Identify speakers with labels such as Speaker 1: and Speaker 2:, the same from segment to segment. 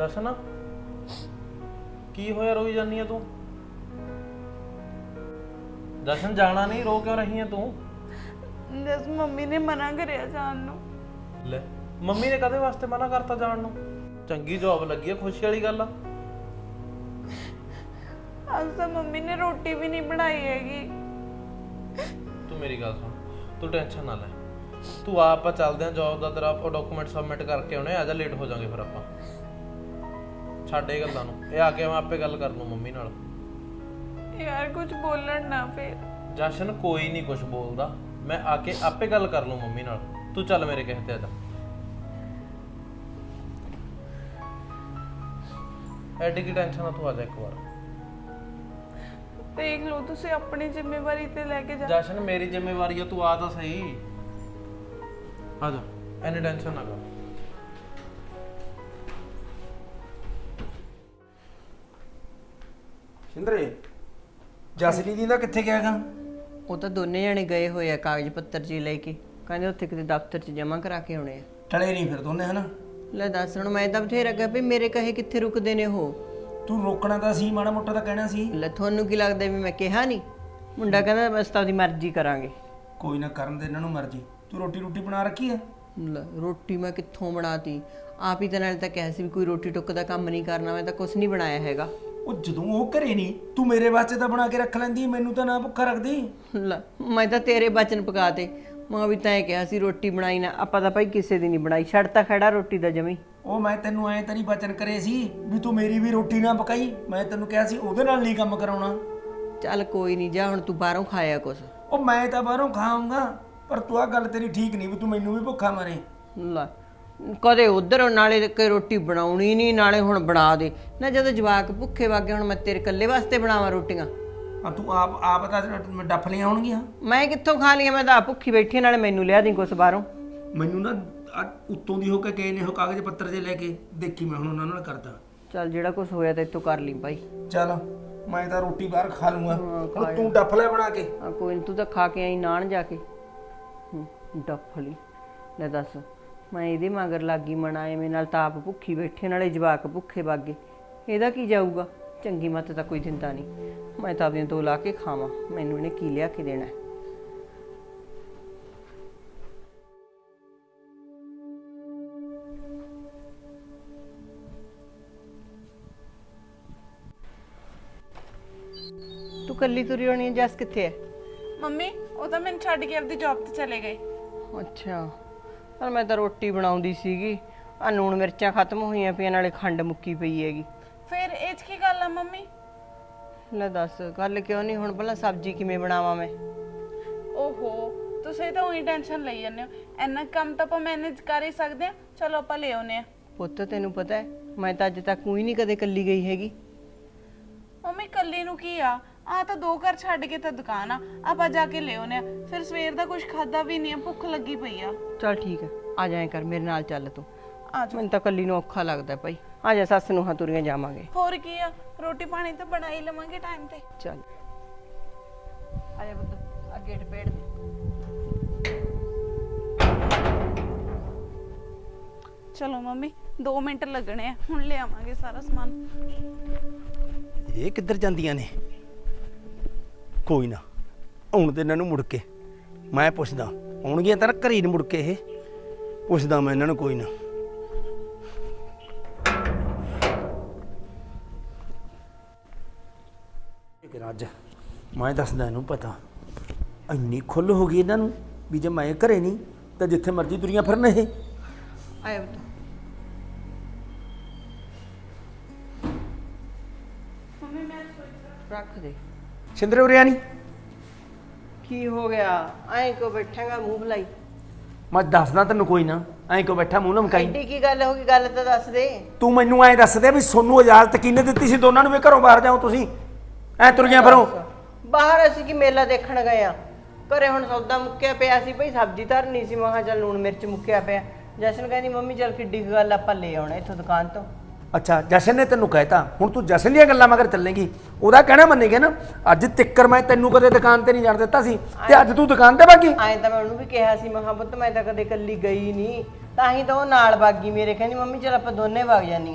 Speaker 1: ਜਸ਼ਨ ਕੀ ਹੋਇਆ ਰੋਈ ਜਾਨੀ ਆ ਤੂੰ? ਜਸ਼ਨ ਜਾਣਾ ਨਹੀਂ, ਰੋ ਕਿਉਂ ਰਹੀ ਆ ਤੂੰ?
Speaker 2: ਜਸ ਮੰਮੀ ਨੇ ਮਨਾ ਕਰਿਆ ਜਾਣ ਨੂੰ।
Speaker 1: ਲੈ ਮੰਮੀ ਨੇ ਕਦੇ ਵਾਸਤੇ ਮਨਾ ਕਰਤਾ ਜਾਣ ਨੂੰ? ਚੰਗੀ ਜੌਬ ਲੱਗੀ ਆ, ਖੁਸ਼ੀ ਵਾਲੀ ਗੱਲ ਆ।
Speaker 2: ਅੱਜ ਤਾਂ ਮੰਮੀ ਨੇ ਰੋਟੀ ਵੀ ਨਹੀਂ ਬਣਾਈ ਹੈਗੀ।
Speaker 1: ਤੂੰ ਮੇਰੀ ਗੱਲ ਸੁਣ, ਤੂੰ ਟੈਨਸ਼ਨ ਨਾ ਲੈ। ਤੂੰ ਆਪਾਂ ਚੱਲਦੇ ਆਂ ਜੌਬ ਦਾ, ਤੇਰਾ ਡਾਕੂਮੈਂਟ ਸਬਮਿਟ ਕਰਕੇ ਆਉਣੇ ਆ ਜਾ, ਲੇਟ ਹੋ ਜਾਾਂਗੇ ਫਿਰ ਆਪਾਂ। ਛੱਡ ਇਹ ਗੱਲਾਂ ਨੂੰ, ਇਹ ਆ ਕੇ ਮੈਂ ਆਪੇ ਗੱਲ ਕਰ ਲੂੰ ਮੰਮੀ ਨਾਲ।
Speaker 2: ਯਾਰ ਕੁਝ ਬੋਲਣ ਨਾ ਫਿਰ।
Speaker 1: ਜਸ਼ਨ ਕੋਈ ਨਹੀਂ ਕੁਝ ਬੋਲਦਾ, ਮੈਂ ਆ ਕੇ ਆਪੇ ਗੱਲ ਕਰ ਲੂੰ ਮੰਮੀ ਨਾਲ। ਤੂੰ ਚੱਲ ਮੇਰੇ ਕਹੇ ਤੇ ਆ ਜਾ। ਐਡੀ ਕੀ ਟੈਨਸ਼ਨ ਆ, ਤੂੰ ਆ ਜਾ ਇੱਕ ਵਾਰ।
Speaker 2: ਦੇਖ ਲਓ ਤੁਸੀਂ ਆਪਣੀ ਜ਼ਿੰਮੇਵਾਰੀ ਤੇ ਲੈ ਕੇ ਜਾ।
Speaker 1: ਜਸ਼ਨ ਮੇਰੀ ਜ਼ਿੰਮੇਵਾਰੀ ਆ, ਤੂੰ ਆ ਤਾਂ ਸਹੀ। ਆ ਜਾ, ਐਨੀ ਟੈਨਸ਼ਨ ਨਾ ਕਰ।
Speaker 3: ਸਿੰਦਰੇ ਜਸਲੀ ਦੀ ਦਾ ਕਿੱਥੇ ਗਿਆ ਗਾ?
Speaker 4: ਉਹ ਤਾਂ ਦੋਨੇ ਜਣੇ ਗਏ ਹੋਏ ਆ ਕਾਗਜ਼ ਪੱਤਰ ਜੀ ਲੈ ਕੇ, ਕਹਿੰਦੇ ਉੱਥੇ ਕਿਤੇ ਦਫ਼ਤਰ 'ਚ ਜਮ੍ਹਾਂ ਕਰਾ ਕੇ ਆਉਣੇ ਆ।
Speaker 3: ਟਲੇ ਨਹੀਂ ਫਿਰ ਦੋਨੇ ਹਨਾ?
Speaker 4: ਲੈ ਦੱਸ ਹੁਣ, ਮੈਂ ਤਾਂ ਬਥੇਰਾ ਕਿਹਾ ਵੀ ਮੇਰੇ ਕਹੇ ਕਿੱਥੇ ਰੁਕਦੇ ਨੇ ਉਹ।
Speaker 3: ਤੂੰ ਰੋਕਣਾ ਤਾਂ ਸੀ, ਮਾੜਾ ਮੋਟਾ ਤਾਂ ਕਹਿਣਾ ਸੀ।
Speaker 4: ਲੈ ਤੁਹਾਨੂੰ ਕੀ ਲੱਗਦਾ ਵੀ ਮੈਂ ਕਿਹਾ ਨਹੀਂ? ਮੁੰਡਾ ਕਹਿੰਦਾ ਬਸ ਤਾਂ ਉਹਦੀ ਮਰਜ਼ੀ ਕਰਾਂਗੇ।
Speaker 3: ਕੋਈ ਨਾ ਕਰਨ ਦੇ ਇਹਨਾਂ ਨੂੰ ਮਰਜ਼ੀ। ਤੂੰ ਰੋਟੀ ਬਣਾ ਰੱਖੀ ਆ?
Speaker 4: ਲੈ ਰੋਟੀ ਮੈਂ ਕਿੱਥੋਂ ਬਣਾਤੀ, ਆਪ ਹੀ ਤਾਂ ਨਾਲ ਤਾਂ ਕਿਹਾ ਸੀ ਵੀ ਕੋਈ ਰੋਟੀ ਟੁੱਕ ਦਾ ਕੰਮ ਨਹੀਂ ਕਰਨਾ, ਮੈਂ ਤਾਂ ਕੁਝ ਨਹੀਂ ਬਣਾਇਆ ਹੈਗਾ।
Speaker 3: ਉਹ ਜਦੋਂ ਉਹ ਘਰੇ ਨਹੀਂ, ਤੂੰ ਮੇਰੇ ਵਾਸਤੇ ਤਾਂ ਬਣਾ ਕੇ ਰੱਖ ਲੈਂਦੀ, ਮੈਨੂੰ ਤਾਂ ਨਾ ਭੁੱਖਾ ਰੱਖਦੀ।
Speaker 4: ਲੈ ਮੈਂ ਤਾਂ ਤੇਰੇ ਬਚਨ ਪਕਾਤੇ, ਮਾਂ ਵੀ ਤਾਂ ਇਹ ਕਿਹਾ ਸੀ ਰੋਟੀ ਬਣਾਈ ਨਾ। ਆਪਾਂ ਤਾਂ ਭਾਈ ਕਿਸੇ ਦੀ ਨਹੀਂ ਬਣਾਈ, ਛੱਡਤਾ ਖੜਾ ਰੋਟੀ ਦਾ ਜਮੀ।
Speaker 3: ਉਹ ਮੈਂ ਤੈਨੂੰ ਐਂ ਤਾਂ ਨਹੀਂ ਬਚਨ ਕਰੇ ਸੀ ਵੀ ਤੂੰ ਮੇਰੀ ਵੀ ਰੋਟੀ ਨਾ ਪਕਾਈ। ਮੈਂ ਤੈਨੂੰ ਕਿਹਾ ਸੀ ਉਹਦੇ ਨਾਲ ਨਹੀਂ ਕੰਮ ਕਰਾਉਣਾ।
Speaker 4: ਚੱਲ ਕੋਈ ਨਹੀਂ, ਜਾ ਹੁਣ ਤੂੰ ਬਾਹਰੋਂ ਖਾਇਆ ਕੁਛ।
Speaker 3: ਉਹ ਮੈਂ ਤਾਂ ਬਾਹਰੋਂ ਖਾਊਂਗਾ, ਪਰ ਤੂੰ ਆ ਗੱਲ ਤੇਰੀ ਠੀਕ ਨਹੀਂ ਵੀ ਤੂੰ ਮੈਨੂੰ ਵੀ ਭੁੱਖਾ ਮਾਰੇ।
Speaker 4: ਲੈ ਕਦੇ ਉਧਰ ਨਾਲੇ ਕਿ ਰੋਟੀ ਬਣਾਉਣੀ ਨਹੀਂ, ਨਾਲੇ ਹੁਣ ਬਣਾ ਦੇ ਨਾ। ਜਦੋਂ ਜਵਾਕ ਭੁੱਖੇ ਵਾਗੇ, ਹੁਣ ਮੈਂ ਤੇਰੇ ਇਕੱਲੇ ਵਾਸਤੇ ਬਣਾਵਾਂ ਰੋਟੀਆਂ?
Speaker 3: ਆ ਤੂੰ ਆਪ ਤਾਂ ਡੱਫ ਲੀਆਂ ਹੋਣਗੀਆਂ।
Speaker 4: ਮੈਂ ਕਿੱਥੋਂ ਖਾ ਲਈਆਂ? ਮੈਂ ਤਾਂ ਆਪ ਭੁੱਖੀ ਬੈਠੀ, ਨਾਲੇ ਮੈਨੂੰ ਲਿਆ ਦੀ ਕੁਛ ਬਾਹਰੋਂ।
Speaker 3: ਮੈਨੂੰ ਨਾ ਉੱਤੋਂ ਦੀ ਹੋ ਕੇ ਗਏ ਨੇ ਉਹ ਕਾਗਜ਼ ਪੱਤਰ ਜੇ ਲੈ ਕੇ, ਦੇਖੀ ਮੈਂ ਹੁਣ ਉਹਨਾਂ ਨਾਲ ਕਰਦਾ।
Speaker 4: ਚੱਲ ਜਿਹੜਾ ਕੁਛ ਹੋਇਆ ਤਾਂ ਇੱਥੋਂ ਕਰ ਲਈ ਭਾਈ।
Speaker 3: ਚੱਲ ਮੈਂ ਤਾਂ ਰੋਟੀ ਬਾਹਰ ਖਾ ਲੂੰਗਾ, ਹੁਣ ਤੂੰ ਡੱਫ ਲੈ ਬਣਾ ਕੇ।
Speaker 4: ਆ ਕੋਈ ਨੀ, ਤੂੰ ਤਾਂ ਖਾ ਕੇ ਆਈ ਨਾਨ ਜਾ ਕੇ। ਡੱਫ ਲਈ। ਲੈ ਦੱਸ, ਮੈਂ ਇਹਦੇ ਮਗਰ ਲੱਗੀ ਮਣਾ, ਐਵੇਂ ਨਾਲ ਤਾਂ ਆਪ ਭੁੱਖੀ ਬੈਠੀ, ਨਾਲੇ ਜਵਾਕ ਭੁੱਖੇ ਵਾਗੇ। ਇਹਦਾ ਕੀ ਜਾਊਗਾ? ਚੰਗੀ ਮੱਤ ਤਾਂ ਕੋਈ ਦਿੰਦਾ ਨਹੀਂ। ਮੈਂ ਤਾਂ ਆਪਦੀਆਂ ਦੋ ਲਾ ਕੇ ਖਾਵਾਂ, ਮੈਨੂੰ ਇਹਨੇ ਕੀ ਲਿਆ ਕੇ ਦੇਣਾ। ਤੂੰ ਕੱਲੀ ਤੁਰੀ ਹੋਣੀ ਹੈ? ਜੱਸ ਕਿੱਥੇ ਹੈ?
Speaker 2: ਮੰਮੀ ਉਹ ਤਾਂ ਮੈਨੂੰ ਛੱਡ ਕੇ ਆਪਦੀ ਜੌਬ ਤੇ ਚਲੇ ਗਏ।
Speaker 4: ਅੱਛਾ, ਪਰ ਮੈਂ ਤਾਂ ਰੋਟੀ ਬਣਾਉਂਦੀ ਸੀਗੀ। ਆ ਲੂਣ ਮਿਰਚਾਂ ਖਤਮ ਹੋਈਆਂ ਪਈਆਂ, ਨਾਲੇ ਖੰਡ ਮੁੱਕੀ ਪਈ ਹੈਗੀ।
Speaker 2: ਫਿਰ ਇਹ 'ਚ ਕੀ ਗੱਲ ਆ ਮੰਮੀ?
Speaker 4: ਲੈ ਦੱਸ, ਗੱਲ ਕਿਉਂ ਨਹੀਂ? ਹੁਣ ਭਲਾ ਸਬਜ਼ੀ ਕਿਵੇਂ ਬਣਾਵਾਂ ਮੈਂ?
Speaker 2: ਓਹੋ, ਤੁਸੀਂ ਤਾਂ ਉਹੀ ਟੈਨਸ਼ਨ ਲਈ ਜਾਂਦੇ ਹੋ। ਇੰਨਾ ਕੰਮ ਤਾਂ ਆਪਾਂ ਮੈਨੇਜ ਕਰ ਹੀ ਸਕਦੇ ਆ। ਚਲੋ ਆਪਾਂ ਲੈ ਆਉਨੇ ਆ।
Speaker 4: ਪੁੱਤ ਤੈਨੂੰ ਪਤਾ ਹੈ, ਮੈਂ ਤਾਂ ਅੱਜ ਤੱਕ ਕੋਈ ਨਹੀਂ ਕਦੇ ਕੱਲੀ ਗਈ ਹੈਗੀ।
Speaker 2: ਮੰਮੀ ਕੱਲੀ ਨੂੰ ਕੀ ਆ ਤਾਂ 2 ਘਰ ਛੱਡ ਕੇ ਤਾਂ ਦੁਕਾਨ ਆ, ਆਪਾਂ ਜਾ ਕੇ ਲੈ ਆਉਨੇ ਆ। ਫਿਰ ਸਵੇਰ ਦਾ ਕੁਝ ਖਾਦਾ ਵੀ ਨਹੀਂ ਆ, ਭੁੱਖ ਲੱਗੀ ਪਈ ਆ।
Speaker 4: ਚੱਲ ਠੀਕ ਹੈ, ਆ ਜਾਇਆ ਕਰ ਮੇਰੇ ਨਾਲ, ਚੱਲ ਤੂੰ।
Speaker 2: ਆ ਜਾ।
Speaker 4: ਮੈਨੂੰ ਤਾਂ ਕੱਲੀ ਨੂੰ ਔਖਾ ਲੱਗਦਾ ਭਾਈ। ਆ ਜਾ, ਸੱਸ ਨੂੰ ਤੁਰੀਆਂ ਜਾਵਾਂਗੇ।
Speaker 2: ਹੋਰ ਕੀ ਆ, ਰੋਟੀ ਪਾਣੀ ਤਾਂ ਬਣਾ ਹੀ ਲਵਾਂਗੇ ਟਾਈਮ ਤੇ।
Speaker 4: ਚੱਲ ਆ ਜਾ ਪੁੱਤ, ਆ ਗੇਟ ਪੇੜ ਦੇ।
Speaker 2: ਚਲੋ ਮੰਮੀ 2 ਮਿੰਟ ਲੱਗਣੇ ਆ, ਹੁਣ ਲੈ ਆਵਾਂਗੇ ਸਾਰਾ ਸਮਾਨ।
Speaker 3: ਇਹ ਕਿੱਧਰ ਜਾਂਦੀਆਂ ਨੇ? ਕੋਈ ਨਾ, ਆਉਣ ਦੇ ਇਹਨਾਂ ਨੂੰ ਮੁੜ ਕੇ। ਮੈਂ ਪੁੱਛਦਾ, ਆਉਣਗੀਆਂ ਤਾਂ ਘਰੇ ਨੂੰ ਮੁੜ ਕੇ। ਇਹ ਪੁੱਛਦਾ ਮੈਂ ਇਹਨਾਂ ਨੂੰ, ਕੋਈ ਨਾ। ਅੱਜ ਮੈਂ ਦੱਸਦਾ ਇਹਨੂੰ, ਪਤਾ ਇੰਨੀ ਖੁੱਲ੍ਹ ਹੋ ਗਈ ਇਹਨਾਂ ਨੂੰ ਵੀ ਜੇ ਮੈਂ ਘਰੇ ਨਹੀਂ ਤਾਂ ਜਿੱਥੇ ਮਰਜ਼ੀ ਦੁਨੀਆ ਫਿਰਨ ਇਹ।
Speaker 4: ਆਇਆ ਪੁੱਤ।
Speaker 2: ਮੰਮੀ ਮੈਂ
Speaker 4: ਰੱਖ ਦੇ।
Speaker 3: ਸਿੰਦਰੇ ਉਰਿਆ ਨਹੀਂ?
Speaker 4: ਕੀ ਹੋ ਗਿਆ? ਐਂ ਕਿਉਂ ਬੈਠਾਂਗਾ ਮੂੰਹ ਬੁਲਾਈ?
Speaker 3: ਮੈਂ ਦੱਸਦਾ ਤੈਨੂੰ, ਕੋਈ ਨਾ। ਐਂ ਕਿਉਂ ਬੈਠਾ ਮੂੰਹ ਲਮਕਾਈ?
Speaker 4: ਐਡੀ ਕੀ ਗੱਲ ਹੋ ਗਈ? ਗੱਲ ਤਾਂ ਦੱਸ ਦੇ।
Speaker 3: ਤੂੰ ਮੈਨੂੰ ਐਂ ਦੱਸ ਦੇ ਵੀ ਸੋਨੂੰ ਇਜਾਜ਼ਤ ਕਿਹਨੇ ਦਿੱਤੀ ਸੀ ਦੋਨਾਂ ਨੂੰ ਵੀ ਘਰੋਂ ਬਾਹਰ ਜਾਓ ਤੁਸੀਂ? ਐ ਤੁਰੀਆਂ ਫਿਰੋ
Speaker 4: ਬਾਹਰ। ਅਸੀਂ ਕੀ ਮੇਲਾ ਦੇਖਣ ਗਏ ਆ? ਘਰੇ ਹੁਣ ਸੌਦਾ ਮੁੱਕਿਆ ਪਿਆ ਸੀ ਭਈ, ਸਬਜ਼ੀ ਧਰਨੀ ਸੀ। ਮੈਂ ਕਿਹਾ ਚੱਲ ਲੂਣ ਮਿਰਚ ਮੁੱਕਿਆ ਪਿਆ। ਜਸ਼ਨ ਕਹਿੰਦੀ ਮੰਮੀ ਚੱਲ ਕਿੱਡੀ ਕੁ ਗੱਲ, ਆਪਾਂ ਲੈ ਆਉਣਾ ਇੱਥੋਂ ਦੁਕਾਨ ਤੋਂ।
Speaker 3: ਅੱਛਾ, ਜਸ਼ਨ ਨੇ ਤੈਨੂੰ ਕਹਿਤਾ, ਹੁਣ ਤੂੰ ਜਸ਼ਨ ਦੀਆਂ ਗੱਲਾਂ ਮਗਰ ਚੱਲੇਂਗੀ? ਉਹਦਾ ਕਹਿਣਾ ਮੰਨੇਗਾ ਨਾ? ਅੱਜ ਤਿੱਕਰ ਮੈਂ ਤੈਨੂੰ ਕਦੇ ਦੁਕਾਨ ਤੇ ਨਹੀਂ ਜਾਣ ਦਿੱਤਾ ਸੀ, ਤੇ ਅੱਜ ਤੂੰ ਦੁਕਾਨ ਤੇ ਬਾਗੀ।
Speaker 4: ਐਂ ਤਾਂ ਮੈਂ ਉਹਨੂੰ ਵੀ ਕਿਹਾ ਸੀ, ਮੈਂ ਕਿਹਾ ਪੁੱਤ ਮੈਂ ਤਾਂ ਕਦੇ ਇਕੱਲੀ ਗਈ ਨਹੀਂ, ਤਾਂ ਹੀ ਤਾਂ ਉਹ ਨਾਲ ਬਾਗੀ ਮੇਰੇ। ਕਹਿੰਦੀ ਮੰਮੀ ਚੱਲ ਆਪਾਂ ਦੋਨੇ ਵਗ ਜਾਂਦੀਆਂ।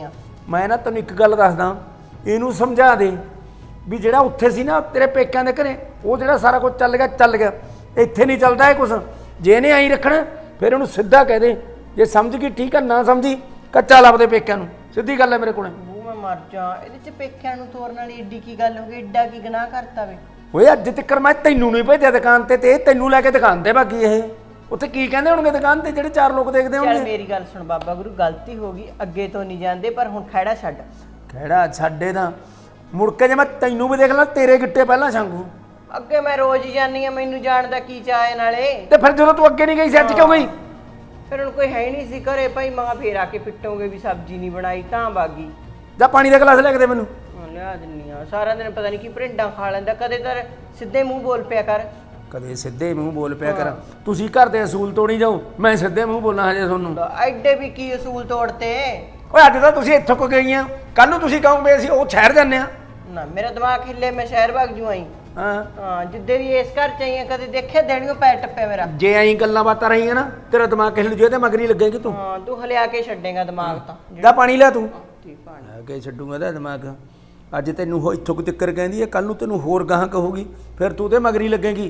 Speaker 3: ਮੈਂ ਨਾ ਤੈਨੂੰ ਇੱਕ ਗੱਲ ਦੱਸਦਾ, ਇਹਨੂੰ ਸਮਝਾ ਦੇ ਵੀ ਜਿਹੜਾ ਉੱਥੇ ਸੀ ਨਾ ਤੇਰੇ ਪੇਕਿਆਂ ਦੇ ਘਰੇ, ਉਹ ਜਿਹੜਾ ਸਾਰਾ ਕੁਝ ਚੱਲ ਗਿਆ, ਇੱਥੇ ਨਹੀਂ ਚੱਲਦਾ ਇਹ ਕੁਛ। ਜੇ ਇਹਨੇ ਆਈ ਰੱਖਣਾ ਫਿਰ ਉਹਨੂੰ ਸਿੱਧਾ ਕਹਿ ਦੇ, ਜੇ ਸਮਝ ਗਈ ਠੀਕ ਆ, ਨਾ ਸਮਝੀ ਕੱਚਾ ਲੱਭਦੇ ਪੇਕਿਆਂ ਨੂੰ, ਸਿੱਧੀ ਗੱਲ ਹੈ ਮੇਰੇ ਕੋਲ।
Speaker 4: ਉਹ ਮੈਂ ਮਰ ਜਾ, ਇਹਦੇ ਚ ਪੇਕਿਆਂ ਨੂੰ ਤੋਰਨ ਵਾਲੀ ਏਡੀ ਕੀ ਗੱਲ ਹੋ ਗਈ, ਏਡਾ ਕੀ ਗੁਨਾਹ ਕਰਤਾ ਵੇ।
Speaker 3: ਓਏ ਅੱਜ ਤੱਕ ਮੈਂ ਤੈਨੂੰ ਨਹੀਂ ਭੇਜਿਆ ਦੁਕਾਨ ਤੇ ਇਹ ਤੈਨੂੰ ਲੈ ਕੇ ਦੁਕਾਨ ਤੇ ਬਾਕੀ ਇਹ ਉੱਥੇ ਕੀ ਕਹਿੰਦੇ ਹੋਣਗੇ ਦੁਕਾਨ ਤੇ ਜਿਹੜੇ 4 ਲੋਕ ਦੇਖਦੇ
Speaker 4: ਚੱਲ
Speaker 3: ਹੋਣਗੇ।
Speaker 4: ਮੇਰੀ ਗੱਲ ਸੁਣ ਬਾਬਾ ਗੁਰੂ, ਗਲਤੀ ਹੋ ਗਈ, ਅੱਗੇ ਤੋਂ ਨਹੀਂ ਜਾਂਦੇ, ਪਰ ਹੁਣ ਖਹਿੜਾ ਛੱਡ।
Speaker 3: ਕਿਹੜਾ ਛੱਡੇ ਦਾ, ਮੁੜ ਕੇ ਜੇ ਮੈਂ ਤੈਨੂੰ ਵੀ ਦੇਖ ਲਾਂ ਤੇਰੇ ਗਿੱਟੇ ਪਹਿਲਾਂ ਛਾਂਗੂ।
Speaker 4: ਅੱਗੇ ਮੈਂ ਰੋਜ਼ ਹੀ ਜਾਂਦੀ ਆ, ਮੈਨੂੰ ਜਾਣ ਦਾ ਕੀ ਚਾਅ ਹੈ ਨਾਲੇ।
Speaker 3: ਤੇ ਫਿਰ ਜਦੋਂ ਤੂੰ ਅੱਗੇ ਨਹੀਂ ਗਈ ਸੀ ਅੱਜ ਕਿਉਂ ਗਈ?
Speaker 4: ਫਿਰ ਹੁਣ ਕੋਈ ਹੈ ਹੀ ਨਹੀਂ ਸੀ ਘਰੇ ਭਾਈ, ਮਾਂ ਫੇਰ ਆ ਕੇ ਪਿੱਟੋਗੇ ਵੀ ਸਬਜ਼ੀ ਨਹੀਂ ਬਣਾਈ ਤਾਂ ਬਾਗੀ।
Speaker 3: ਜਾਂ ਪਾਣੀ ਦਾ ਗਲਾਸ ਲੈ ਕੇ ਦੇ ਮੈਨੂੰ।
Speaker 4: ਲਿਆ ਦਿੰਨੀ ਆ, ਸਾਰਾ ਦਿਨ ਪਤਾ ਨਹੀਂ ਕੀ ਭਰਿੰਡਾਂ ਖਾ ਲੈਂਦਾ, ਕਦੇ ਤਾਂ ਸਿੱਧੇ ਮੂੰਹ ਬੋਲ ਪਿਆ ਕਰ।
Speaker 3: ਕਦੇ ਸਿੱਧੇ ਮੂੰਹ ਬੋਲ ਪਿਆ ਕਰ, ਤੁਸੀਂ ਘਰ ਦੇ ਅਸੂਲ ਤੋੜੀ ਜਾਓ, ਮੈਂ ਸਿੱਧੇ ਮੂੰਹ ਬੋਲਣਾ ਹਜੇ ਤੁਹਾਨੂੰ।
Speaker 4: ਐਡੇ ਵੀ ਕੀ ਅਸੂਲ ਤੋੜਤੇ।
Speaker 3: ਓਏ ਅੱਜ ਤਾਂ ਤੁਸੀਂ ਇੱਥੋਂ ਕੋ ਗਈਆਂ, ਕੱਲ ਨੂੰ ਤੁਸੀਂ ਕਹੋਗੇ ਅਸੀਂ ਉਹ ਸ਼ਹਿਰ ਜਾਂਦੇ ਆ।
Speaker 4: ਨਾ ਮੇਰਾ ਦਿਮਾਗ ਹਿੱਲੇ, ਮੈਂ ਸ਼ਹਿਰ ਭਾਗ ਜੂ ਆਈ। ਹਾਂ ਜਿੱਦੇ ਵੀ ਇਸ ਘਰ ਚ ਆਈ ਆ, ਕਦੇ ਦੇਖਿਆ ਦੇਣੀਓ ਪੈਰ ਟੱਪਿਆ ਮੇਰਾ।
Speaker 3: ਜੇ ਐਂ ਗੱਲਾਂ ਬਾਤਾਂ ਰਹੀਆਂ ਨਾ ਤੇਰਾ ਦਿਮਾਗ ਕਿਸੇ ਨੂੰ ਜੇ ਤੇ ਮਗਰੀ ਲੱਗੇਗੀ ਤੂੰ।
Speaker 4: ਹਾਂ ਤੂੰ ਹਲਿਆ ਕੇ ਛੱਡੇਗਾ ਦਿਮਾਗ ਤਾਂ।
Speaker 3: ਜਾ ਪਾਣੀ ਲੈ ਤੂੰ।
Speaker 4: ਠੀਕ ਪਾਣੀ
Speaker 3: ਲੈ ਕੇ ਛੱਡੂਗਾ ਇਹਦਾ ਦਿਮਾਗ। ਅੱਜ ਤੈਨੂੰ ਉਹ ਇੱਥੋਂ ਕੁ ਤਿੱਕਰ ਕਹਿੰਦੀ ਹੈ, ਕੱਲ ਨੂੰ ਤੈਨੂੰ ਹੋਰ ਗਾਹਾਂ ਕਹੂਗੀ, ਫਿਰ ਤੂੰ ਤੇ ਮਗਰੀ ਲੱਗੇਗੀ।